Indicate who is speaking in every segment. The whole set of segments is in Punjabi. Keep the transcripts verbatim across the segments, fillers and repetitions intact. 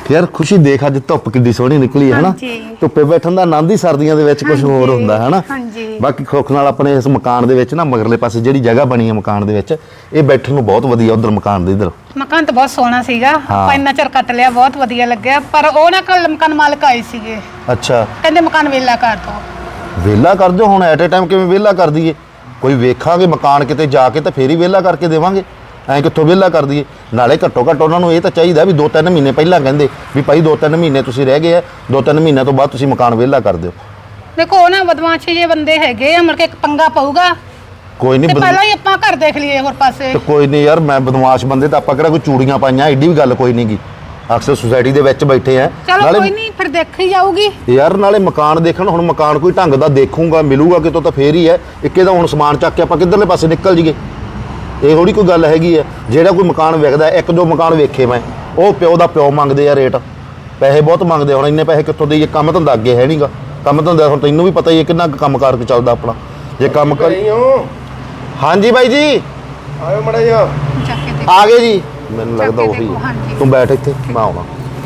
Speaker 1: यार खुशी देख अज धुप किड्डी सोहनी निकली है ना धुप्पे बैठन दा आनंद ही सर्दियां दे विच कुछ होर हुंदा है ना। बाकी सुख नाल अपने इस मकान दे विच ना मगरले पासे जिहड़ी जगह बनी है मकान दे विच ये बैठन नूं बहुत वधिया उधर मकान दे इधर
Speaker 2: मकान तो बहुत सोहना सीगा पर इन्ना चਿਰ ਕੱਟ ਲਿਆ बहुत वधिया ਲੱਗਿਆ पर ਉਹ ਨਾ ਕੱਲ ਮਕਾਨ ਮਾਲਕ ਆਏ ਸੀਗੇ।
Speaker 1: अच्छा
Speaker 2: ਕਹਿੰਦੇ ਮਕਾਨ ਵੇਲਾ ਕਰ ਦੋ
Speaker 1: ਵੇਲਾ कर दो हुण एट ए टाइम किवें ਵੇਲਾ कर दईए कोई वेखांगे मकान किते जाके तो फिर ही ਵੇਲਾ करके देवांगे ਐਂ ਕਿੱਥੋਂ ਵੇਲਾ ਕਰ ਦਈਏ ਨਾਲੇ ਘੱਟੋ ਘੱਟ ਉਹਨਾਂ ਨੂੰ ਇਹ ਤਾਂ ਚਾਹੀਦਾ ਵੀ ਦੋ ਤਿੰਨ ਮਹੀਨੇ ਪਹਿਲਾਂ ਕਹਿੰਦੇ ਵੀ ਭਾਈ ਦੋ ਤਿੰਨ ਮਹੀਨੇ ਤੁਸੀਂ ਰਹਿ ਗਏ ਆ ਦੋ ਤਿੰਨ ਮਹੀਨਿਆਂ ਤੋਂ ਬਾਅਦ ਤੁਸੀਂ ਮਕਾਨ ਵੇਲਾ ਕਰ ਦਿਓ।
Speaker 2: ਦੇਖੋ ਨਾ ਬਦਮਾਸ਼ੀ ਜੇ ਬੰਦੇ ਹੈਗੇ ਆ ਮੁੜ ਕੇ ਇੱਕ ਪੰਗਾ ਪਊਗਾ
Speaker 1: ਕੋਈ ਨਹੀਂ
Speaker 2: ਪਹਿਲਾਂ ਹੀ ਆਪਾਂ ਘਰ ਦੇਖ ਲਈਏ ਹੋਰ ਪਾਸੇ
Speaker 1: ਤੇ ਕੋਈ ਨਹੀਂ ਯਾਰ ਮੈਂ ਬਦਮਾਸ਼ ਬੰਦੇ ਤਾਂ ਆਪਾਂ ਕਿਹੜਾ ਕੋਈ ਚੂੜੀਆਂ ਪਾਈਆਂ ਐਡੀ ਵੀ ਗੱਲ ਕੋਈ ਨਹੀਂਗੀ ਅਕਸਰ ਸੁਸਾਇਟੀ ਦੇ ਵਿੱਚ ਬੈਠੇ ਆ
Speaker 2: ਨਾਲੇ ਕੋਈ ਨਹੀਂ ਫਿਰ ਦੇਖੀ ਜਾਊਗੀ
Speaker 1: ਯਾਰ ਨਾਲੇ ਮਕਾਨ ਦੇਖਣ ਹੁਣ ਮਕਾਨ ਕੋਈ ਢੰਗ ਦਾ ਦੇਖੂਗਾ ਮਿਲੂਗਾ ਕਿਤੋਂ ਤਾਂ ਫੇਰ ਹੀ ਹੈ ਇੱਕੇ ਦਾ ਹੁਣ ਸਮਾਨ ਚੱਕ ਕੇ ਆਪਾਂ ਕਿੱਧਰਲੇ ਪਾਸੇ ਨਿਕਲ ਜੀਏ ਇਹ ਥੋੜੀ ਕੋਈ ਗੱਲ ਹੈਗੀ ਹੈ। ਜਿਹੜਾ ਕੋਈ ਮਕਾਨ ਵਿਕਦਾ ਇੱਕ ਦੋ ਮਕਾਨ ਵੇਖੇ ਮੈਂ ਉਹ ਪਿਓ ਦਾ ਪਿਓ ਮੰਗਦੇ ਆ ਰੇਟ ਪੈਸੇ ਬਹੁਤ ਮੰਗਦੇ ਹੁਣ ਇੰਨੇ ਪੈਸੇ ਕਿੱਥੋਂ ਦੇਈਏ ਕੰਮ ਧੰਦਾ ਅੱਗੇ ਹੈ ਨਹੀਂਗਾ ਕੰਮ ਧੰਦਾ ਹੁਣ ਤੈਨੂੰ ਵੀ ਪਤਾ ਹੀ ਹੈ ਕਿੰਨਾ ਕੰਮ ਕਾਰ ਚੱਲਦਾ ਆਪਣਾ ਜੇ ਕੰਮ ਕਰ ਹਾਂਜੀ ਬਾਈ ਜੀ
Speaker 3: ਆਇਓ ਮੜਾ ਜੀ
Speaker 1: ਆ ਗਏ ਜੀ ਮੈਨੂੰ ਲੱਗਦਾ ਉਹੀ ਤੂੰ ਬੈਠ ਇੱਥੇ ਮੈਂ ਆਉਣਾ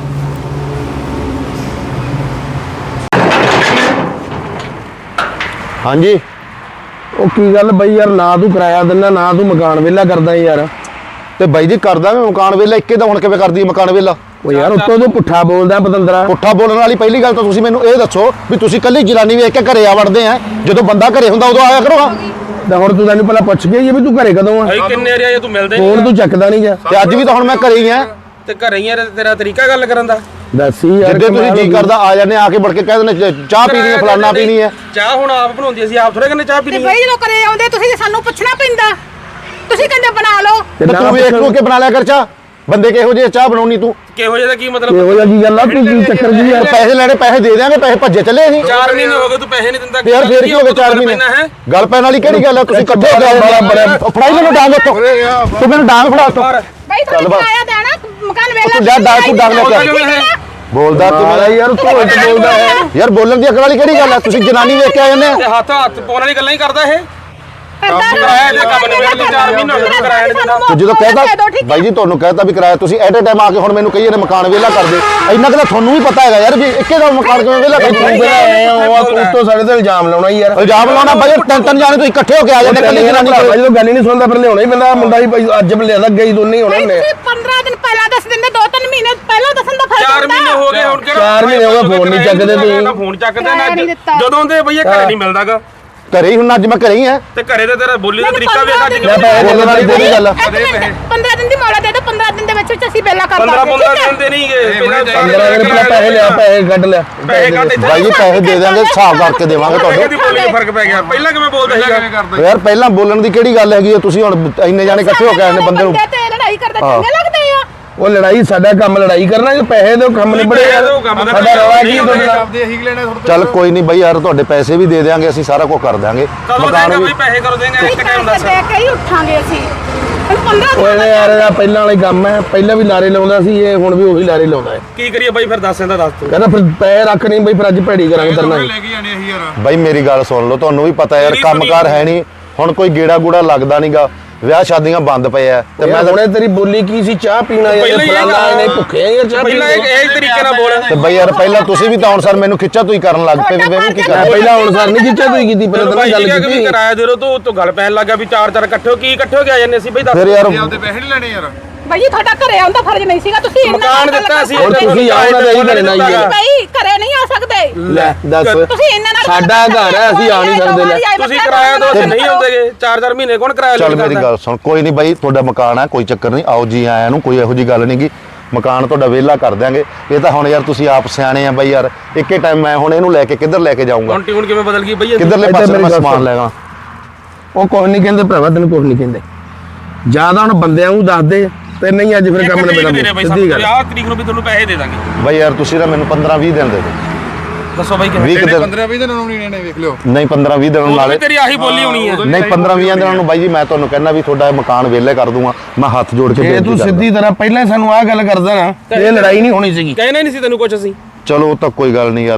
Speaker 1: ਹਾਂਜੀ
Speaker 3: ਉਹ ਕੀ ਗੱਲ ਬਈ ਯਾਰ ਨਾ ਤੂੰ ਕਿਰਾਇਆ ਦਿੰਦਾ ਨਾ ਤੂੰ ਮਕਾਨ ਵੇਲਾ ਕਰਦਾ ਯਾਰ
Speaker 1: ਤੇ ਬਾਈ ਜੀ ਕਰਦਾ ਮੈਂ ਮਕਾਨ ਵੇਲਾ ਇੱਕੇ ਦਾ ਹੁਣ ਕਿਵੇਂ ਕਰਦੀ ਮਕਾਨ ਵੇਲਾ
Speaker 3: ਉਹ ਯਾਰ ਉੱਤੋਂ ਤੂੰ ਪੁੱਠਾ ਬੋਲਦਾ ਪਤੰਦਰਾ
Speaker 1: ਪੁੱਠਾ ਬੋਲਣ ਵਾਲੀ ਪਹਿਲੀ ਗੱਲ ਤਾਂ ਤੁਸੀਂ ਮੈਨੂੰ ਇਹ ਦੱਸੋ ਵੀ ਤੁਸੀਂ ਕੱਲੀ ਜਨਾਨੀ ਵੇਖ ਕੇ ਘਰੇ ਆ ਵੜਦੇ ਆ ਜਦੋਂ ਬੰਦਾ ਘਰੇ ਹੁੰਦਾ ਉਦੋਂ ਆਇਆ ਕਰੋ
Speaker 3: ਤਾਂ ਹੁਣ ਤੂੰ ਤੈਨੂੰ ਪਹਿਲਾਂ ਪੁੱਛ ਗਿਆ ਵੀ ਤੂੰ ਘਰੇ ਕਦੋਂ ਆ
Speaker 4: ਭਾਈ ਕਿੰਨੇ ਰਿਆ ਤੂੰ ਮਿਲਦੇ
Speaker 3: ਫੋਨ ਤੂੰ ਚੱਕਦਾ ਨਹੀਂ ਜਾ
Speaker 1: ਤੇ ਅੱਜ ਵੀ ਤਾਂ ਹੁਣ ਮੈਂ ਘਰੇ ਹੀ ਆ
Speaker 4: ਤੇ ਘਰੇ ਹੀ ਆ ਤੇਰਾ ਤਰੀਕਾ ਗੱਲ ਕਰਨ ਦਾ
Speaker 3: ਦੱਸੀ ਯਾਰ
Speaker 1: ਜਿੱਦੇ ਤੁਸੀਂ ਜੀ ਕਰਦਾ ਆ ਜਾਂਦੇ ਆ ਕੇ ਵੜ ਕੇ ਕਹਿ ਦਿੰਦੇ ਚਾਹ ਪੀਣੀ ਹੈ ਫਲਾਨਾ ਪੀਣੀ ਹੈ
Speaker 4: ਚਾਹ ਹੁਣ ਆਪ ਬਣਾਉਂਦੀ ਅਸੀਂ ਆਪ ਥੋੜੇ ਕਹਿੰਦੇ ਚਾਹ ਪੀਣੀ
Speaker 2: ਤੇ ਬਈ ਜਦੋਂ ਘਰੇ ਆਉਂਦੇ ਤੁਸੀਂ ਸਾਨੂੰ ਪੁੱਛਣਾ ਪੈਂਦਾ ਤੁਸੀਂ ਕਹਿੰਦੇ ਬਣਾ ਲਓ
Speaker 1: ਤੇ ਤੂੰ ਵੇਖ ਲੋ ਕੇ ਬਣਾ ਲਿਆ ਕਰ ਚਾਹ ਬੰਦੇ ਕਿਹੋ ਜਿਹੇ ਚਾਹ ਬਣਾਉਣੀ ਤੂੰ
Speaker 4: ਕਿਹੋ ਜਿਹਾ ਕੀ ਮਤਲਬ
Speaker 3: ਇਹੋ ਜਿਹਾ ਕੀ ਗੱਲ ਆ ਤੂੰ ਕੀ ਚੱਕਰ ਜੀ ਯਾਰ
Speaker 1: ਪੈਸੇ ਲੈਣੇ ਪੈਸੇ ਦੇ ਦਿਆਂਗੇ ਪੈਸੇ ਭੱਜੇ ਚੱਲੇ ਅਸੀਂ
Speaker 4: ਚਾਰ ਮਹੀਨੇ ਹੋ ਗਏ ਤੂੰ ਪੈਸੇ ਨਹੀਂ ਦਿੰਦਾ
Speaker 1: ਯਾਰ ਫੇਰ ਕੀ ਹੋ ਗਿਆ ਚਾਰ ਮਹੀਨੇ ਗੱਲ ਪੈਣ ਵਾਲੀ ਕਿਹੜੀ ਗੱਲ ਆ ਤੁਸੀਂ ਇਕੱਠੇ ਹੋ ਗਏ ਬੜਾ ਫੜਾਈ ਮੈਨੂੰ ਡਾਂਗ ਉੱਤੋਂ ਤੂੰ ਮੈਨੂੰ ਡਾਂਗ ਫੜਾ ਉੱਤੋਂ
Speaker 2: ਬਈ ਤੁਹਾਨੂੰ ਕਿਰਾਇਆ ਦੇਣਾ ਮਕਾਨ ਵੇਲਾ
Speaker 1: ਤੂੰ ਜਾ ਡਾਂਗ ਤੂੰ ਡਾਂਗ ਲੈ ਕੇ ਬੋਲਦਾ ਕਿਵੇਂ
Speaker 3: ਯਾਰ ਤੂੰ ਉੱਚ ਬੋਲਦਾ ਹੈ
Speaker 1: ਯਾਰ ਬੋਲਣ ਦੀ ਅਕਲ ਵਾਲੀ ਕਿਹੜੀ ਗੱਲ ਆ ਤੁਸੀਂ ਜਨਾਨੀ ਵੇਖ ਕੇ ਆ ਜਾਂਦੇ ਆ
Speaker 4: ਹੱਥ ਹੱਥ ਪਾਉਣ ਵਾਲੀ ਗੱਲਾਂ ਹੀ ਕਰਦਾ ਇਹ
Speaker 2: ਕਿਰਾਇਆ
Speaker 4: ਦੇ ਕੰਮ ਨੂੰ ਵੇਲੇ ਚਾਰ ਮਹੀਨੇ ਹੋ ਗਏ ਕਿਰਾਇਆ ਨਹੀਂ ਦਿੰਦਾ
Speaker 1: ਤੂੰ ਜਦੋਂ ਕਹਿਤਾ ਬਾਈ ਜੀ ਤੁਹਾਨੂੰ ਕਹਿਤਾ ਵੀ ਕਿਰਾਇਆ ਤੁਸੀਂ ਐਟ ਅ ਟਾਈਮ ਆ ਕੇ ਹੁਣ ਮੈਨੂੰ ਕਹੀਏ ਨੇ ਮਕਾਨ ਵੇਲਾ ਕਰ ਦੇ ਇੰਨਾ ਕਿ ਤੁਹਾਨੂੰ ਵੀ ਪਤਾ ਹੈਗਾ ਯਾਰ ਵੀ ਇੱਕੇ ਦਾ ਮਕਾਨ ਕਿਵੇਂ ਵੇਲਾ ਕਰ
Speaker 3: ਤੂੰ ਤੋਂ ਸਾਡੇ ਤੇ ਇਲਜ਼ਾਮ ਲਾਉਣਾ ਯਾਰ
Speaker 1: ਇਲਜ਼ਾਮ ਲਾਉਣਾ ਬਾਈ ਤਿੰਨ ਤਿੰਨ ਜਾਣੇ ਤੁਸੀਂ ਇਕੱਠੇ ਹੋ ਕੇ ਆ ਜਾਂਦੇ ਕੱਲੀ ਜਨਾਨੀ
Speaker 3: ਕੋਲ ਜਦੋਂ ਗੱਲ ਹੀ ਨਹੀਂ ਸੁਣਦਾ ਫਿਰ ਲਿਆਉਣਾ ਹੀ ਪੈਂਦਾ ਮੁੰਡਾ ਹੀ ਅੱਜ ਲਿਆਦਾ ਗਈ ਦੋਨੇ ਹੋਣੇ ਨੇ
Speaker 2: ਪੰਦਰਾਂ ਦਿਨ ਪਹਿਲਾਂ ਦੱਸ ਦਿੰਦੇ ਦੋ ਤਿੰਨ ਮਹੀਨੇ ਪਹਿਲਾਂ ਦੱਸਣ ਦਾ ਫਰਕ
Speaker 4: ਚਾਰ ਮਹੀਨੇ ਹੋ ਗਏ ਹੁਣ ਕਿਹੜਾ
Speaker 3: ਚਾਰ ਮਹੀਨੇ ਹੋ ਗਏ ਫੋਨ ਨਹੀਂ ਚੱਕਦੇ ਤੁਸੀਂ
Speaker 4: ਫੋਨ ਚੱਕਦੇ ਨਾ ਜਦੋਂ ਦੇ ਭਈਆ ਘਰੇ ਨਹੀਂ ਮਿਲਦਾਗਾ
Speaker 1: ਘਰੇ ਹੀ ਹੁਣ ਅੱਜ ਮੈਂ ਘਰੇ ਹੀ ਆ
Speaker 4: ਤੇ ਘਰੇ ਤੇ ਤੇਰਾ ਬੋਲੀ ਦਾ ਤਰੀਕਾ ਵੇਖ ਅੱਜ
Speaker 1: ਬੋਲਣ ਵਾਲੀ ਕਿਹੜੀ ਗੱਲ ਆ
Speaker 2: ਪੰਦਰਾਂ ਦਿਨ ਦੀ ਮੌਲਾ ਦੇ ਦੋ ਪੰਦਰਾਂ ਦਿਨ ਦੇ ਵਿੱਚ ਵਿੱਚ ਅਸੀਂ ਵੇਲਾ ਕਰ
Speaker 4: ਪੰਦਰਾਂ ਪੰਦਰਾਂ ਦਿਨ ਦੇ ਨਹੀਂ ਗਏ
Speaker 3: ਪੰਦਰਾਂ ਦਿਨ ਪਹਿਲਾਂ ਪੈਸੇ ਲਿਆ ਪੈਸੇ ਕੱਢ ਲਿਆ
Speaker 4: ਪੈਸੇ ਕੱਢ ਇੱਥੇ
Speaker 1: ਬਾਈ ਜੀ ਪੈਸੇ ਦੇ ਦਿਆਂਗੇ ਹਿਸਾਬ ਕਰਕੇ ਦੇਵਾਂਗੇ
Speaker 4: ਤੁਹਾਡੇ
Speaker 1: ਤੁਹਾਨੂੰ
Speaker 4: ਬੋਲੀ ਦਾ ਫਰਕ ਪੈ ਗਿਆ ਪਹਿਲਾਂ ਕਿਵੇਂ ਬੋਲਦਾ ਸੀਗਾ
Speaker 1: ਯਾਰ ਪਹਿਲਾਂ ਬੋਲਣ ਦੀ ਕਿਹੜੀ ਗੱਲ ਹੈਗੀ ਤੁਸੀਂ ਹੁਣ ਇੰਨੇ ਜਾਣੇ ਇਕੱਠੇ ਹੋ ਕੇ ਆਏ ਨੇ ਬੰਦੇ ਨੂੰ
Speaker 2: ਤੇ ਲੜਾਈ ਕਰਦੇ ਚੰਗੇ ਲੱਗਦੇ ਆ
Speaker 3: ਉਹ ਲੜਾਈ ਸਾਡਾ ਕੰਮ ਲੜਾਈ ਕਰਨਾ ਜੇ ਪੈਸੇ ਦੇ ਕੰਮ ਨਿਬੜੇ ਯਾਰ ਸਾਡਾ ਰਵਾ ਕੀ ਤੁਹਾਡਾ
Speaker 1: ਚੱਲ ਕੋਈ ਨਹੀਂ ਬਾਈ ਯਾਰ ਤੁਹਾਡੇ ਪੈਸੇ ਵੀ ਦੇ ਦੇਾਂਗੇ ਅਸੀਂ ਸਾਰਾ ਕੁਝ ਕਰ ਦਾਂਗੇ
Speaker 4: ਮਕਾਨ ਵੀ ਪੈਸੇ ਕਰੋ ਦੇਂਗੇ ਇੱਕ ਟਾਈਮ ਦੱਸ
Speaker 2: ਦੇ ਕੇ ਹੀ ਉੱਠਾਂਗੇ ਅਸੀਂ ਪੰਦਰਾਂ
Speaker 3: ਓਏ ਯਾਰ ਇਹਦਾ ਪਹਿਲਾਂ ਵਾਲੇ ਕੰਮ ਹੈ ਪਹਿਲਾਂ ਵੀ ਲਾਰੇ ਲਾਉਂਦਾ ਸੀ ਇਹ ਹੁਣ ਵੀ ਉਹੀ ਲਾਰੇ ਲਾਉਂਦਾ ਹੈ
Speaker 4: ਕੀ ਕਰੀਏ ਬਾਈ ਫਿਰ ਦੱਸ ਇਹਦਾ ਦੱਸ ਤੂੰ
Speaker 3: ਕਹਿੰਦਾ ਫਿਰ ਪੈਸੇ ਰੱਖ ਨਹੀਂ ਬਈ ਫਿਰ ਅੱਜ ਭੈੜੀ ਕਰਾਂਗੇ ਤਰਨਾ
Speaker 1: ਬਾਈ ਮੇਰੀ ਗੱਲ ਸੁਣ ਲਓ ਤੁਹਾਨੂੰ ਵੀ ਪਤਾ ਯਾਰ ਕੰਮਕਾਰ ਹੈ ਨਹੀਂ ਹੁਣ ਕੋਈ ਗੇੜਾ ਗੂੜਾ ਲੱਗਦਾ ਨਹੀਂਗਾ ਵਿਆਹ ਸ਼ਾਦੀਆਂ ਬੰਦ ਪਏ ਆ
Speaker 3: ਤੇ ਮੈਂ ਹੁਣੇ ਤੇਰੀ ਬੋਲੀ ਕੀ ਸੀ ਚਾਹ ਪੀਣਾ ਯਾਰ ਫਲਾਣਾ ਇਹਨੇ ਭੁੱਖੇ ਯਾਰ ਚਾਹ
Speaker 4: ਪਹਿਲਾਂ ਇਹ ਤਰੀਕੇ ਨਾਲ ਬੋਲ
Speaker 1: ਤੇ ਬਾਈ ਯਾਰ ਪਹਿਲਾਂ ਤੁਸੀਂ ਵੀ ਤਾਂ ਹੁਣ ਸਰ ਮੈਨੂੰ ਖਿੱਚਾ ਤੂੰ ਹੀ ਕਰਨ ਲੱਗ ਪਏ ਵੀ ਮੈਂ ਵੀ ਕੀ ਕਰਾਂ
Speaker 3: ਪਹਿਲਾਂ ਹੁਣ ਸਰ ਨਹੀਂ ਖਿੱਚਿਆ ਤੂੰ ਕੀਤੀ ਪਹਿਲਾਂ ਤਾਂ ਗੱਲ ਕੀਤੀ
Speaker 4: ਕਿਰਾਇਆ ਦੇ ਰੋ ਤੂੰ ਤੂੰ ਗੱਲ ਪੈਣ ਲੱਗਾ ਵੀ ਚਾਰ ਚਾਰ ਇਕੱਠੇ ਹੋ ਕੀ ਇਕੱਠੇ ਹੋ ਕੇ ਆ ਜਾਂਦੇ ਅਸੀਂ ਬਈ ਦੱਸ
Speaker 1: ਫਿਰ ਯਾਰ
Speaker 3: ਆਪਦੇ ਪੈਸੇ ਨਹੀਂ ਲੈਣੇ ਯਾਰ
Speaker 2: ਭਾਈ ਤੁਹਾਡਾ ਘਰੇ ਆਉਂਦਾ ਫਰਜ਼ ਨਹੀਂ ਸੀਗਾ ਤੁਸੀਂ
Speaker 4: ਮਕਾਨ ਦਿੱਤਾ ਸੀ
Speaker 3: ਹੁਣ ਤੁਸੀਂ ਆਉਣਾ ਤਾਂ ਇਹੀ ਕਰਨਾ ਹੀ ਹੈ
Speaker 2: ਭਾਈ ਘਰੇ ਨਹੀਂ ਆ ਸਕਦੇ
Speaker 3: ਲੈ ਦੱਸ
Speaker 2: ਤੁਸੀਂ ਇਹਨਾਂ ਨਾਲ
Speaker 3: ਸਾਡਾ ਘਰ ਹੈ ਅਸੀਂ ਆ ਨਹੀਂ ਸਕਦੇ ਲੈ
Speaker 4: ਤੁਸੀਂ ਕਿਰਾਇਆ ਦੋ ਤੇ ਨਹੀਂ ਆਉਂਦੇਗੇ ਚਾਰ ਚਾਰ ਮਹੀਨੇ ਕੌਣ ਕਿਰਾਇਆ
Speaker 1: ਚੱਲ ਮੇਰੀ ਗੱਲ ਸੁਣ ਕੋਈ ਨਹੀਂ ਬਾਈ ਤੁਹਾਡਾ ਮਕਾਨ ਹੈ ਕੋਈ ਚੱਕਰ ਨਹੀਂ ਆਓ ਜੀ ਆਇਆਂ ਨੂੰ ਕੋਈ ਇਹੋ ਜੀ ਗੱਲ ਨਹੀਂਗੀ ਮਕਾਨ ਤੁਹਾਡਾ ਵਿਹਲਾ ਕਰ ਦਿਆਂਗੇ ਇਹ ਤਾਂ ਹੁਣ ਯਾਰ ਤੁਸੀਂ ਆਪ ਸਿਆਣੇ ਆ ਬਾਈ ਯਾਰ ਇੱਕੇ ਟਾਈਮ ਮੈਂ ਹੁਣ ਇਹਨੂੰ ਲੈ ਕੇ ਕਿੱਧਰ ਲੈ ਕੇ ਜਾਊਂਗਾ
Speaker 4: ਹੁਣ ਟਿਊਨ ਕਿਵੇਂ ਬਦਲ ਗਈ ਬਈ
Speaker 1: ਕਿੱਧਰਲੇ ਪਾਸੇ ਮੈਂ ਸਮਾਨ ਲੈਗਾ
Speaker 3: ਉਹ ਕੁਝ ਨਹੀਂ ਕਹਿੰਦੇ ਭਰਾਵਾ ਤੈਨੂੰ ਕੁਝ ਨਹੀਂ ਕਹਿੰਦੇ ਜਿਆਦਾ ਹੁਣ ਬੰਦਿਆਂ ਨੂੰ ਦੱਸ ਦੇ ਤੇ ਨਹੀਂ ਅੱਜ ਫਿਰ ਕੰਮ ਨੇ ਬਣਾ ਸਿੱਧੀ ਗੱਲ
Speaker 4: ਆਹ ਤਰੀਕ ਨੂੰ ਵੀ ਤੁਹਾਨੂੰ ਪੈਸੇ ਦੇ ਦਾਂਗੇ
Speaker 1: ਬਾਈ ਯਾਰ ਤੁਸੀਂ ਨਾ ਮੈਨੂੰ ਪੰਦਰਾਂ ਵੀਹ ਦਿਨ ਦੇ ਦਿਓ
Speaker 4: ਦੱਸੋ ਬਾਈ ਕਿਵੇਂ
Speaker 3: ਪੰਦਰਾਂ ਵੀਹ ਦਿਨਾਂ ਨੂੰ ਨਹੀਂ ਨੇ ਵੇਖ ਲਿਓ
Speaker 1: ਨਹੀਂ ਪੰਦਰਾਂ ਵੀਹ ਦਿਨਾਂ ਨਾਲੇ
Speaker 4: ਤੇਰੀ ਆਹੀ ਬੋਲੀ ਹੋਣੀ ਹੈ
Speaker 1: ਨਹੀਂ ਪੰਦਰਾਂ ਵੀਹ ਦਿਨਾਂ ਨੂੰ ਬਾਈ ਜੀ ਮੈਂ ਤੁਹਾਨੂੰ ਕਹਿੰਦਾ ਵੀ ਤੁਹਾਡਾ ਮਕਾਨ ਵਿਹਲੇ ਕਰ ਦੂੰਗਾ ਮੈਂ ਹੱਥ ਜੋੜ ਕੇ
Speaker 3: ਜੇ ਤੂੰ ਸਿੱਧੀ ਤਰ੍ਹਾਂ ਪਹਿਲਾਂ ਸਾਨੂੰ ਆਹ ਗੱਲ ਕਰਦਾ ਨਾ ਇਹ ਲੜਾਈ ਨਹੀਂ ਹੋਣੀ ਸੀਗੀ
Speaker 4: ਕਹਿਣਾ ਨਹੀਂ ਸੀ ਤੈਨੂੰ ਕੁਝ ਅਸੀਂ
Speaker 1: ਚਲੋ ਉਹ ਤਾਂ ਕੋਈ ਗੱਲ ਨਹੀਂ ਯਾਰ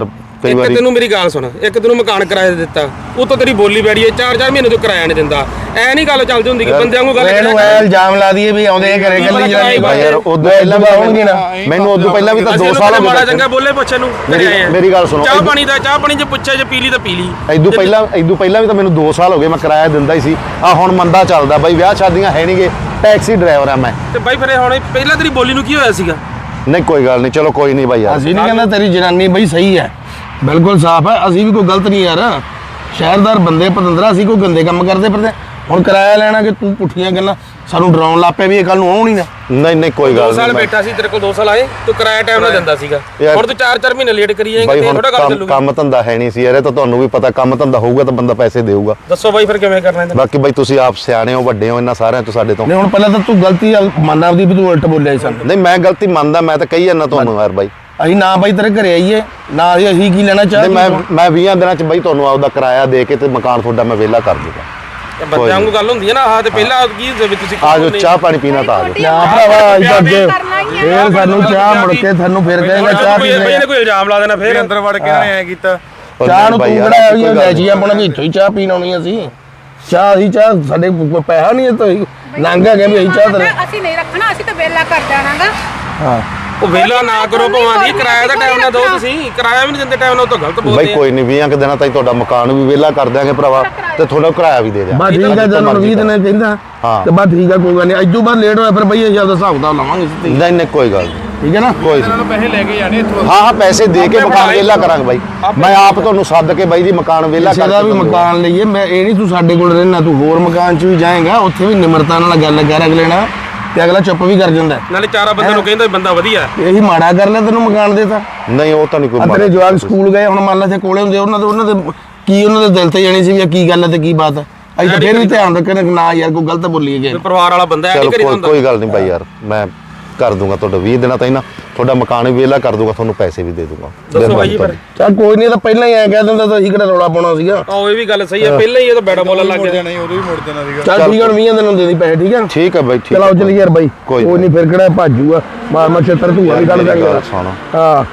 Speaker 1: ਕਈ
Speaker 4: ਇੱਕ
Speaker 1: ਵਾਰੀ
Speaker 4: ਤੈਨੂੰ ਮੇਰੀ ਗੱਲ ਸੁਣ, ਇੱਕ ਤੈਨੂੰ ਮਕਾਨ ਕਿਰਾਏ ਤੇ ਦਿੱਤਾ, ਉਤੋਂ ਤੇਰੀ ਬੋਲੀ ਬੈੜੀ ਹੈ ਚਾਰ ਚਾਰ ਮਹੀਨੇ ਤੋਂ ਕਿਰਾਇਆ ਨਹੀਂ ਦਿੰਦਾ। ਐ ਨਹੀਂ ਗੱਲ ਚੱਲਦੀ ਹੁੰਦੀ ਕਿ ਬੰਦਿਆਂ ਨੂੰ ਗੱਲ
Speaker 3: ਇਹਨੂੰ ਐ ਇਲਜ਼ਾਮ ਲਾ ਦਈਏ ਵੀ ਆਉਂਦੇ ਘਰੇ ਕੱਲੀ ਜਨਾਨੀ
Speaker 1: ਭਾਈ ਯਾਰ ਉਦੋਂ ਪਹਿਲਾਂ ਵੀ
Speaker 3: ਆਉਣਗੇ ਨਾ
Speaker 1: ਮੈਨੂੰ ਉਦੋਂ ਪਹਿਲਾਂ ਵੀ ਤਾਂ ਦੋ ਸਾਲ ਹੋ ਗਏ
Speaker 4: ਮਾੜਾ ਚੰਗਾ ਬੋਲੇ ਪੁੱਛੇ ਨੂੰ
Speaker 1: ਮੇਰੀ ਮੇਰੀ ਗੱਲ ਸੁਣੋ
Speaker 4: ਚਾਹ ਪਾਣੀ ਦਾ ਚਾਹ ਪਾਣੀ ਜੇ ਪੁੱਛਿਆ ਜੇ ਪੀ ਲਈ ਤਾਂ ਪੀ ਲਈ।
Speaker 1: ਇਦੋਂ ਪਹਿਲਾਂ ਇਦੋਂ ਪਹਿਲਾਂ ਵੀ ਤਾਂ ਮੈਨੂੰ ਦੋ ਸਾਲ ਹੋ ਗਏ ਮੈਂ ਕਿਰਾਇਆ ਦਿੰਦਾ ਹੀ ਸੀ। ਆ ਹੁਣ ਮੰਦਾ ਚੱਲਦਾ ਬਾਈ, ਵਿਆਹ ਸ਼ਾਦੀਆਂ ਹੈ ਨਹੀਂਗੇ, ਟੈਕਸੀ ਡਰਾਈਵਰ ਆ ਮੈਂ।
Speaker 4: ਤੇ ਬਾਈ ਫਿਰ ਹੁਣ ਪਹਿਲਾਂ ਤੇਰੀ ਬੋਲੀ ਨੂੰ ਕੀ ਹੋਇਆ ਸੀਗਾ?
Speaker 1: ਨਹੀਂ ਕੋਈ ਗੱਲ ਨਹੀਂ, ਚਲੋ ਕੋਈ ਨਹੀਂ ਬਾਈ ਯਾਰ।
Speaker 3: ਅਸੀਂ ਨਹੀਂ ਕਹਿੰਦਾ ਤੇਰੀ ਜਨਾਨੀ ਬਈ ਸਹੀ ਹੈ, ਬਿਲਕੁਲ ਸਾਫ਼ ਹੈ, ਅਸੀਂ ਵੀ ਕੋਈ ਗਲਤ ਨਹੀਂ ਯਾਰ। ਸ਼ਹਿਰਦਾਰ ਬੰਦੇ ਪਤੰਦਰਾ, ਅਸੀਂ ਕੋਈ ਗੰਦੇ ਕੰਮ ਕਰਦੇ ਫਿਰਦੇ। ਹੁਣ ਕਿਰਾਇਆ ਲੈਣਾ ਕਿ ਤੂੰ ਪੁੱਠੀਆਂ ਗੱਲਾਂ ਸਾਨੂੰ ਡਰਾਉਣ ਲੱਗ ਪਿਆ ਵੀ ਇਹ ਕੱਲ ਨੂੰ ਆਉਣੀ ਨਾ।
Speaker 1: ਨਹੀਂ ਨਹੀਂ ਕੋਈ
Speaker 4: ਦੋ
Speaker 1: ਗੱਲ
Speaker 4: ਸਾਲ
Speaker 1: ਨਹੀਂ
Speaker 4: ਬੈਠਾ ਸੀ ਤੇਰੇ ਕੋਲ, ਦੋ ਸਾਲ ਆਏ ਤੂੰ ਕਿਰਾਇਆ ਟਾਈਮ ਨਾਲ ਦਿੰਦਾ ਸੀਗਾ।
Speaker 1: ਯਾਰ-
Speaker 4: ਹੁਣ ਤੂੰ ਚਾਰ ਚਾਰ ਮਹੀਨੇ ਲੇਟ ਕਰੀ ਜਾਏਂਗਾ
Speaker 1: ਬਾਈ
Speaker 4: ਤੇ
Speaker 1: ਹੁਣ
Speaker 4: ਥੋੜਾ ਗੱਲ
Speaker 1: ਕੰਮ
Speaker 4: ਚੱਲੂਗੀ।
Speaker 1: ਕੰਮ ਧੰਦਾ ਹੈ ਨਹੀਂ ਸੀ ਯਾਰ, ਇਹ ਤਾਂ ਤੁਹਾਨੂੰ ਵੀ ਪਤਾ, ਕੰਮ ਧੰਦਾ ਹੋਊਗਾ ਤਾਂ ਬੰਦਾ ਪੈਸੇ ਦੇਊਗਾ।
Speaker 4: ਦੱਸੋ ਬਾਈ ਫਿਰ ਕਿਵੇਂ ਕਰਨਾ ਇਹਦਾ?
Speaker 1: ਬਾਕੀ ਬਾਈ ਤੁਸੀਂ ਆਪ ਸਿਆਣੇ ਹੋ, ਵੱਡੇ ਹੋ ਇਹਨਾਂ ਸਾਰਿਆਂ ਤੋਂ ਸਾਡੇ ਤੋਂ।
Speaker 3: ਨਹੀਂ ਹੁਣ ਪਹਿਲਾਂ ਤਾਂ ਤੂੰ ਗਲਤੀ ਮੰਨ ਆਪਦੀ ਵੀ ਤੂੰ ਉਲਟ ਬੋਲਿਆ ਸੀ ਸਾਨੂੰ।
Speaker 1: ਨਹੀਂ ਮੈਂ ਗਲਤੀ ਮੰਨਦਾ, ਮੈਂ ਤਾਂ ਕਹੀ ਜਾਂਦਾ ਤੁਹਾਨੂੰ ਯਾਰ ਬਾਈ।
Speaker 3: ਅਸੀਂ ਨਾ ਬਾਈ ਤੇਰੇ ਘਰੇ ਆਈਏ ਨਾ ਅਸੀਂ ਅਸੀਂ ਕੀ ਲੈਣਾ
Speaker 1: ਨਹੀਂ
Speaker 3: ਚਾਹ
Speaker 1: ਮੈਂ ਮੈਂ ਵੀਹ ਦਿਨਾਂ ਚ ਬਾਈ ਤੁਹਾਨੂੰ ਆਪਦਾ ਕਿਰਾਇਆ ਦੇ ਕੇ ਤੇ ਮਕਾਨ ਤੁਹਾਡਾ ਮੈਂ ਵਿਹਲਾ ਕਰ ਦੂੰਗਾ।
Speaker 4: ਤੇ ਬੰਦਿਆਂ ਨੂੰ ਗੱਲ ਹੁੰਦੀ ਹੈ ਨਾ, ਆਹ ਤੇ ਪਹਿਲਾਂ ਕੀ ਹੁੰਦੇ ਵੀ ਤੁਸੀਂ
Speaker 1: ਆ ਜਾਓ, ਚਾਹ ਪਾਣੀ ਪੀਣਾ ਤਾਂ ਆ ਜਾਓ।
Speaker 3: ਨਾ ਭਰਾਵਾ ਅਸੀਂ ਤਾਂ ਅੱਗੇ ਫੇਰ ਸਾਨੂੰ ਚਾਹ ਮੁੜ ਕੇ ਤੁਹਾਨੂੰ ਫੇਰ ਕਹੇਗਾ ਚਾਹ ਪੀ
Speaker 4: ਬਈ
Speaker 3: ਲੈ।
Speaker 4: ਇਹਨੇ ਕੋਈ ਇਲਜ਼ਾਮ ਲਾ ਦੇਣਾ ਫਿਰ
Speaker 5: ਅੰਦਰ ਵੜ ਕੇ ਇਹਨਾਂ ਨੇ ਐ ਕੀਤਾ।
Speaker 3: ਚਾਹ ਨੂੰ ਤੂੰ
Speaker 1: ਬਾਈ ਯਾਰ,
Speaker 3: ਕਿਹੜਾ
Speaker 1: ਕੋਈ ਗੱਲ
Speaker 3: ਲੈ
Speaker 1: ਨਹੀਂ।
Speaker 3: ਜੀ ਆਪਣਾ ਵੀ ਇੱਥੋਂ ਹੀ ਚਾਹ ਪੀਣ ਆਉਣੀ ਅਸੀਂ। ਚਾਹ ਅਸੀਂ ਚਾਹ ਸਾਡੇ ਕੋਲ ਪੈਸਾ ਨਹੀਂ ਹੈ ਤਾਂ ਲੰਘ ਗਿਆ ਵੀ ਅਸੀਂ ਚਾਹ ਤੇਰੇ।
Speaker 2: ਅਸੀਂ ਨਹੀਂ ਰੱਖਣਾ, ਅਸੀਂ ਤਾਂ ਵੇਲਾ ਕਰ ਜਾਣਾਗਾ।
Speaker 3: ਹਾਂ
Speaker 4: ਉਹ ਵੇਲਾ ਨਾ ਕਰੋ ਭਵਾਂ ਦੀ, ਕਿਰਾਇਆ ਦਾ ਟਾਈਮ ਨਾ ਦਿਓ ਤੁਸੀਂ, ਕਿਰਾਇਆ ਵੀ ਨਹੀਂ ਦਿੰਦੇ ਟਾਈਮ ਨਾਲ, ਉਹ ਤਾਂ ਗਲਤ ਬੋਲਦੇ
Speaker 1: ਬਾਈ
Speaker 4: ਆ।
Speaker 1: ਕੋਈ ਨਹੀਂ, ਵੀਹਾਂ ਕੁ ਦਿਨਾਂ ਤਾਈਂ ਤੁਹਾਡਾ ਮਕਾਨ ਵੀ ਵਿਹਲਾ ਕਰ ਦਿਆਂਗੇ ਭਰਾਵਾ, ਤੇ ਤੁਹਾਡਾ ਕਿਰਾਇਆ ਵੀ ਦੇ ਦਿਆਂਗੇ।
Speaker 3: ਬਸ ਠੀਕ ਹੈ, ਜਦੋਂ ਵੀਹ ਦਿਨ ਕਹਿੰਦਾ
Speaker 1: ਹਾਂ।
Speaker 3: ਤੇ ਬਸ ਠੀਕ ਹੈ, ਕੋਈ ਗੱਲ ਨਹੀਂ। ਅੱਜੂ ਬਾਅਦ ਲੇਟ ਹੋਇਆ ਫਿਰ ਬਈ ਅਸੀਂ ਆਪਦਾ ਹਿਸਾਬ ਕਿਤਾਬ ਲਾਵਾਂਗੇ ਸਿੱਧੀ।
Speaker 1: ਨਹੀਂ ਨਹੀਂ ਕੋਈ ਗੱਲ ਨਹੀਂ,
Speaker 3: ਠੀਕ ਹੈ ਨਾ।
Speaker 1: ਕੋਈ
Speaker 5: ਇਹਨਾਂ ਨੂੰ ਪੈਸੇ ਲੈ ਕੇ ਜਾਣੇ ਇੱਥੋਂ।
Speaker 1: ਹਾਂ ਹਾਂ ਪੈਸੇ ਦੇ ਕੇ ਮਕਾਨ ਵਿਹਲਾ ਕਰਾਂਗੇ ਬਾਈ। ਮੈਂ ਆਪ ਤੁਹਾਨੂੰ ਸੱਦ ਕੇ ਬਾਈ ਜੀ ਮਕਾਨ ਵਿਹਲਾ
Speaker 3: ਕਿਸੇ ਦਾ
Speaker 1: ਕਰਕੇ
Speaker 3: ਵੀ ਮਕਾਨ ਲਈਏ, ਮੈਂ ਇਹ ਨਹੀਂ ਤੂੰ ਸਾਡੇ ਕੋਲ ਰਹਿਣਾ, ਤੂੰ ਹੋਰ ਮਕਾਨ 'ਚ ਵੀ ਜਾਏਗਾ, ਉੱਥੇ ਵੀ ਨਿਮਰਤਾ ਨਾਲ ਗੱਲ ਕਰ ਅਗਲੇ ਨਾਲ, ਤੇ ਅਗਲਾ ਚੁੱਪ ਵੀ ਕਰ ਜਾਂਦਾ।
Speaker 4: ਨਾਲੇ ਚਾਰਾ ਬੰਦੇ ਨੂੰ ਕਹਿੰਦਾ ਵੀ ਬੰਦਾ ਵਧੀਆ।
Speaker 3: ਇਹੀ ਮਾੜਾ ਕਰ ਲਿਆ ਤੈਨੂੰ ਮਕਾਨ ਦੇਤਾ।
Speaker 1: ਨਹੀਂ ਉਹ ਤਾਂ ਨਹੀਂ ਕੋਈ
Speaker 3: ਆ ਤੇਰੇ
Speaker 1: ਮਾੜਾ।
Speaker 3: ਜਵਾਕ ਸਕੂਲ ਗਏ, ਹੁਣ ਮੰਨ ਲੈ ਇੱਥੇ ਕੋਲੇ ਹੁੰਦੇ, ਉਹਨਾਂ ਦੇ ਉਹਨਾਂ ਦੇ ਕੀ ਉਹਨਾਂ ਦੇ ਦਿਲ ਤੇ ਜਾਣੀ ਸੀ ਵੀ ਇਹ ਕੀ ਗੱਲ ਹੈ ਤੇ ਕੀ ਬਾਤ ਹੈ। ਅਸੀਂ ਤਾਂ ਫਿਰ ਵੀ ਧਿਆਨ ਰੱਖਣਾ ਕਿ ਨਾ ਯਾਰ ਕੋਈ ਗਲਤ ਬੋਲੀਏ ਗਏ।
Speaker 4: ਕੋਈ ਪਰਿਵਾਰ ਵਾਲਾ ਬੰਦਾ ਐ
Speaker 1: ਚਲੋ
Speaker 4: ਨਹੀਂ ਕਰੀ
Speaker 1: ਕੋਈ
Speaker 4: ਹੁੰਦਾ।
Speaker 1: ਕੋਈ ਗੱਲ ਨਹੀਂ ਬਾਈ ਯਾਰ, ਮੈਂ ਕਰ ਦੂੰਗਾ ਤੁਹਾਡਾ ਵੀਹ ਦਿਨਾਂ ਤਾਈਂ ਨਾ, ਤੁਹਾਡਾ ਮਕਾਨ ਵੀ ਵਿਹਲਾ ਕਰ ਦੂੰਗਾ, ਤੁਹਾਨੂੰ ਪੈਸੇ ਵੀ ਦੇ ਦੂੰਗਾ।
Speaker 4: ਦੱਸੋ ਬਾਈ ਜੀ ਫਿਰ।
Speaker 3: ਚੱਲ ਕੋਈ ਨਹੀਂ, ਤਾਂ ਪਹਿਲਾਂ ਹੀ ਐ ਕਹਿ ਦਿੰਦਾ ਤਾਂ ਅਸੀਂ ਕਿਹੜਾ ਰੌਲਾ ਪਾਉਣਾ ਸੀਗਾ।
Speaker 4: ਆਹ ਇਹ ਵੀ ਗੱਲ ਸਹੀ ਹੈ, ਪਹਿਲਾਂ ਹੀ ਇਹ ਤਾਂ ਬੈੜਾ ਬੋਲਣ ਲੱਗ
Speaker 5: ਮੁੜ
Speaker 4: ਗਿਆ।
Speaker 5: ਜਾਣਾ ਸੀ, ਉਦੋਂ ਵੀ ਮੁੜ ਜਾਣਾ ਸੀਗਾ।
Speaker 3: ਚੱਲ ਠੀਕ ਹੈ, ਹੁਣ ਵੀਹ ਦਿਨ ਨੂੰ ਦੇ ਦੀ ਪੈਸੇ, ਠੀਕ ਹੈ।
Speaker 1: ਠੀਕ ਹੈ ਬਾਈ, ਠੀਕ
Speaker 3: ਚਲੋ ਚੱਲ ਯਾਰ ਬਾਈ,
Speaker 1: ਕੋਈ
Speaker 3: ਕੋਈ ਨਹੀਂ ਫਿਰ ਕਿਹੜਾ ਭਾਜੂਗਾ, ਮਾਰ ਮਾਰ ਛੇਤਰ ਧੂਆ ਵੀ ਕੱਢ
Speaker 1: ਮੇਰੀ
Speaker 3: ਦਾਂਗੇ।
Speaker 1: ਗੱਲ ਸੁਣ
Speaker 3: ਹਾਂ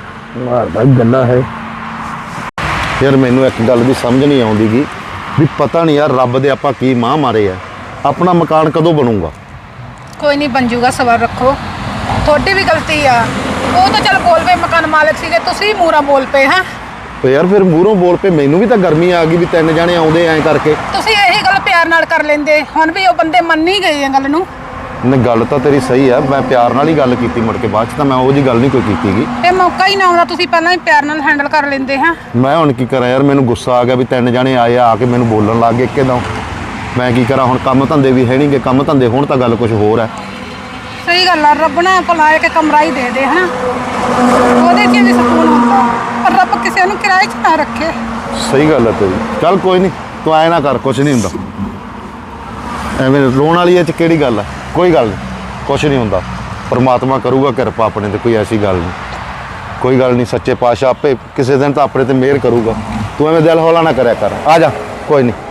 Speaker 3: ਮਾਰਦਾ ਗੱਲਾਂ ਹੈ।
Speaker 1: ਯਾਰ, ਮੈਨੂੰ ਇੱਕ ਗੱਲ ਦੀ ਸਮਝ ਨਹੀਂ ਆਉਂਦੀਗੀ ਵੀ ਪਤਾ ਨਹੀਂ ਯਾਰ ਰੱਬ ਦੇ ਆਪਾਂ ਕੀ ਮਾਂ ਮਾਰੇ ਆ, ਆਪਣਾ ਮਕਾਨ ਕਦੋਂ ਬਣੂਗਾ?
Speaker 2: ਕੋਈ ਨਹੀਂ ਬਣ ਜੂਗਾ, ਸਬਰ ਰੱਖੋ। ਤੁਹਾਡੀ ਵੀ ਗਲਤੀ ਆ, ਉਹ ਤਾਂ ਚੱਲ ਬੋਲ ਪਏ, ਮਕਾਨ ਮਾਲਕ ਸੀਗੇ, ਤੁਸੀਂ ਮੂਰਾ ਬੋਲ ਪਏ। ਹਾਂ
Speaker 1: ਤੇ ਯਾਰ ਫਿਰ ਮੂਹਰੋਂ ਬੋਲ ਪਏ, ਮੈਨੂੰ ਵੀ ਤਾਂ ਗਰਮੀ ਆ ਗਈ ਵੀ ਤਿੰਨ ਜਾਣੇ ਆਉਂਦੇ ਐਂ ਕਰਕੇ।
Speaker 2: ਤੁਸੀਂ ਇਹੀ ਗੱਲ ਪਿਆਰ ਨਾਲ ਕਰ ਲੈਂਦੇ, ਹੁਣ ਵੀ ਉਹ ਬੰਦੇ ਮੰਨ ਨਹੀਂ ਗਏ ਇਹ ਗੱਲ ਨੂੰ।
Speaker 1: ਨਹੀਂ ਗੱਲ ਤਾਂ ਤੇਰੀ ਸਹੀ ਆ, ਮੈਂ ਪਿਆਰ ਨਾਲ ਹੀ ਗੱਲ ਕੀਤੀ, ਮੁੜ ਕੇ ਬਾਅਦ ਚ ਤਾਂ ਮੈਂ ਉਹ ਜੀ ਗੱਲ ਨਹੀਂ ਕੋਈ ਕੀਤੀਗੀ।
Speaker 2: ਇਹ ਮੌਕਾ ਹੀ ਨਾ ਆਉਂਦਾ, ਤੁਸੀਂ ਪਹਿਲਾਂ ਹੀ ਪਿਆਰ ਨਾਲ ਹੈਂਡਲ ਕਰ ਲੈਂਦੇ। ਹਾਂ
Speaker 1: ਮੈਂ ਹੁਣ ਕੀ ਕਰਾਂ ਯਾਰ, ਮੈਨੂੰ ਗੁੱਸਾ ਆ ਗਿਆ ਵੀ ਤਿੰਨ ਜਾਣੇ ਆਏ ਆ, ਆ ਕੇ ਮੈਨੂੰ ਬੋਲਣ ਲੱਗ ਗਏ ਇੱਕਦਮ। ਮੈਂ ਕੀ ਕਰਾਂ ਹੁਣ, ਕੰਮ ਧੰਦੇ ਵੀ ਹੈ ਨਹੀਂਗੇ, ਕੰਮ ਧੰਦੇ ਹੁਣ ਤਾਂ ਗੱਲ ਕੁਝ ਹੋਰ ਹੈ।
Speaker 2: ਸਹੀ ਗੱਲ ਆ, ਰੱਬ ਨੇ ਭਲਾ ਇੱਕ ਕਮਰਾ ਹੀ ਦੇ ਦੇ, ਹਨਾ, ਉਹਦੇ 'ਚ ਵੀ ਸਕੂਨ ਹੁੰਦਾ, ਪਰ ਰੱਬ ਕਿਸੇ ਨੂੰ ਕਿਰਾਏ 'ਚ ਨਾ ਰੱਖੇ।
Speaker 1: ਸਹੀ ਗੱਲ ਹੈ ਤੇਰੀ। ਚੱਲ ਕੋਈ ਨਹੀਂ, ਤੂੰ ਐ ਨਾ ਕਰ, ਕੁਝ ਨਹੀਂ ਹੁੰਦਾ। ਐਵੇਂ ਰੋਣ ਵਾਲੀ ਇਹ ਚ ਕਿਹੜੀ ਗੱਲ ਹੈ? ਕੋਈ ਗੱਲ ਨਹੀਂ, ਕੁਝ ਨਹੀਂ ਹੁੰਦਾ। ਪਰਮਾਤਮਾ ਕਰੂਗਾ ਕਿਰਪਾ ਆਪਣੇ ਤੇ, ਕੋਈ ਐਸੀ ਗੱਲ ਨਹੀਂ। ਕੋਈ ਗੱਲ ਨਹੀਂ, ਸੱਚੇ ਪਾਤਸ਼ਾਹ ਆਪੇ ਕਿਸੇ ਦਿਨ ਤਾਂ ਆਪਣੇ ਤੇ ਮਿਹਰ ਕਰੂਗਾ। ਤੂੰ ਐਵੇਂ ਦਿਲ ਹੌਲਾ ਨਾ ਕਰਿਆ ਕਰ, ਆ ਜਾ, ਕੋਈ ਨਹੀਂ।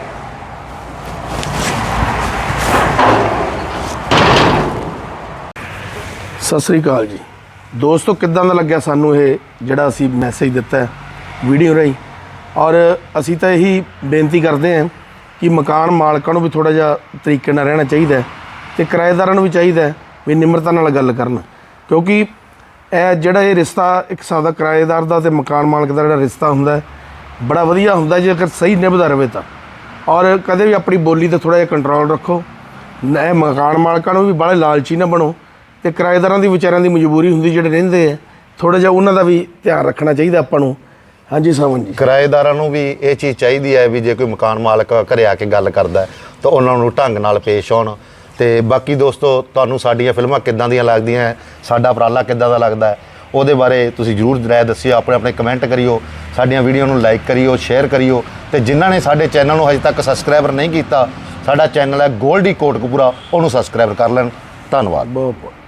Speaker 3: ਸਤਿ ਸ੍ਰੀ ਅਕਾਲ ਜੀ ਦੋਸਤੋ, ਕਿੱਦਾਂ ਦਾ ਲੱਗਿਆ ਸਾਨੂੰ ਇਹ ਜਿਹੜਾ ਅਸੀਂ ਮੈਸੇਜ ਦਿੱਤਾ ਹੈ ਵੀਡੀਓ ਰਾਹੀਂ? ਔਰ ਅਸੀਂ ਤਾਂ ਇਹੀ ਬੇਨਤੀ ਕਰਦੇ ਹਾਂ ਕਿ ਮਕਾਨ ਮਾਲਕਾਂ ਨੂੰ ਵੀ ਥੋੜ੍ਹਾ ਜਿਹਾ ਤਰੀਕੇ ਨਾਲ ਰਹਿਣਾ ਚਾਹੀਦਾ ਹੈ, ਅਤੇ ਕਿਰਾਏਦਾਰਾਂ ਨੂੰ ਵੀ ਚਾਹੀਦਾ ਹੈ ਵੀ ਨਿਮਰਤਾ ਨਾਲ ਗੱਲ ਕਰਨ, ਕਿਉਂਕਿ ਇਹ ਜਿਹੜਾ ਇਹ ਰਿਸ਼ਤਾ ਇੱਕ ਸਾਦਾ ਕਿਰਾਏਦਾਰ ਦਾ ਅਤੇ ਮਕਾਨ ਮਾਲਕ ਦਾ ਜਿਹੜਾ ਰਿਸ਼ਤਾ ਹੁੰਦਾ ਹੈ, ਬੜਾ ਵਧੀਆ ਹੁੰਦਾ ਜੇਕਰ ਸਹੀ ਨਿਭਦਾ ਰਹੇ ਤਾਂ। ਔਰ ਕਦੇ ਵੀ ਆਪਣੀ ਬੋਲੀ 'ਤੇ ਥੋੜ੍ਹਾ ਜਿਹਾ ਕੰਟਰੋਲ ਰੱਖੋ। ਇਹ ਮਕਾਨ ਮਾਲਕਾਂ ਨੂੰ ਵੀ ਬਾਹਲੇ ਲਾਲਚੀ ਨਾ ਬਣੋ, ਅਤੇ ਕਿਰਾਏਦਾਰਾਂ ਦੀ ਵਿਚਾਰਿਆਂ ਦੀ ਮਜਬੂਰੀ ਹੁੰਦੀ, ਜਿਹੜੇ ਰਹਿੰਦੇ ਆ, ਥੋੜ੍ਹਾ ਜਿਹਾ ਉਹਨਾਂ ਦਾ ਵੀ ਧਿਆਨ ਰੱਖਣਾ ਚਾਹੀਦਾ ਆਪਾਂ ਨੂੰ। ਹਾਂਜੀ ਸਾਵਨ ਜੀ,
Speaker 1: ਕਿਰਾਏਦਾਰਾਂ ਨੂੰ ਵੀ ਇਹ ਚੀਜ਼ ਚਾਹੀਦੀ ਹੈ ਵੀ ਜੇ ਕੋਈ ਮਕਾਨ ਮਾਲਕ ਘਰੇ ਆ ਕੇ ਗੱਲ ਕਰਦਾ ਹੈ ਤਾਂ ਉਹਨਾਂ ਨੂੰ ਢੰਗ ਨਾਲ ਪੇਸ਼ ਆਉਣ। ਤੇ ਬਾਕੀ ਦੋਸਤੋ, ਤੁਹਾਨੂੰ ਸਾਡੀਆਂ ਫਿਲਮਾਂ ਕਿੱਦਾਂ ਦੀਆਂ ਲੱਗਦੀਆਂ ਹੈ, ਸਾਡਾ ਉਪਰਾਲਾ ਕਿੱਦਾਂ ਦਾ ਲੱਗਦਾ ਹੈ, ਉਹਦੇ ਬਾਰੇ ਤੁਸੀਂ ਜ਼ਰੂਰ ਰਾਏ ਦੱਸਿਓ, ਆਪਣੇ ਆਪਣੇ ਕਮੈਂਟ ਕਰਿਓ, ਸਾਡੀਆਂ ਵੀਡੀਓ ਨੂੰ ਲਾਈਕ ਕਰਿਓ, ਸ਼ੇਅਰ ਕਰਿਓ। ਤੇ ਜਿਨ੍ਹਾਂ ਨੇ ਸਾਡੇ ਚੈਨਲ ਨੂੰ ਹਜੇ ਤੱਕ ਸਬਸਕ੍ਰਾਈਬਰ ਨਹੀਂ ਕੀਤਾ, ਸਾਡਾ ਚੈਨਲ ਹੈ ਗੋਲਡੀ ਕੋਟਕਪੂਰਾ, ਉਹਨੂੰ ਸਬਸਕ੍ਰਾਈਬ ਕਰ ਲੈਣ। ਧੰਨਵਾਦ।
Speaker 3: ਬਹੁਤ ਬਹੁਤ